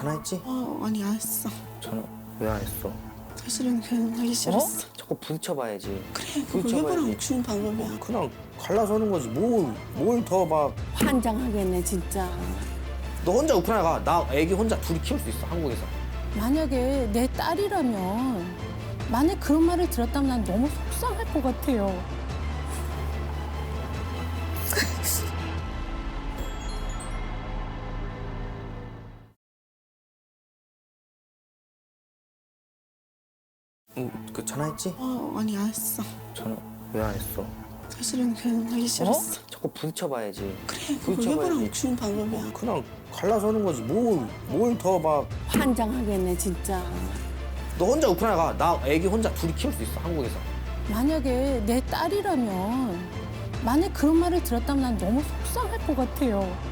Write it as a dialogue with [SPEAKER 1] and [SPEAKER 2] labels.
[SPEAKER 1] 전화했지?
[SPEAKER 2] 아니 안 했어.
[SPEAKER 1] 전화 왜 안 했어?
[SPEAKER 2] 사실은 그냥 하기 싫었어.
[SPEAKER 1] 자꾸 부딪혀봐야지.
[SPEAKER 2] 그래, 그거 일부러 주는 방법이야.
[SPEAKER 1] 그냥 갈라서는 거지. 뭘 더 막.
[SPEAKER 3] 환장하겠네 진짜.
[SPEAKER 1] 너 혼자 우크라이나 가. 나 애기 혼자 둘이 키울 수 있어, 한국에서.
[SPEAKER 3] 만약에 내 딸이라면 만약 그런 말을 들었다면 난 너무 속상할 것 같아요.
[SPEAKER 1] 그 전화했지?
[SPEAKER 2] 아니 안 했어.
[SPEAKER 1] 전화 왜 안 했어?
[SPEAKER 2] 사실은 그냥 하기 싫었어.
[SPEAKER 1] 자꾸 부딪혀봐야지.
[SPEAKER 2] 그래, 그거 일부러 주는 방법이야.
[SPEAKER 1] 그냥 갈라서는 거지. 뭘 더 막.
[SPEAKER 3] 환장하겠네 진짜.
[SPEAKER 1] 너 혼자 우크라이나 가. 나 애기 혼자 둘이 키울 수 있어, 한국에서.
[SPEAKER 3] 만약에 내 딸이라면 만약 그런 말을 들었다면 난 너무 속상할 것 같아요.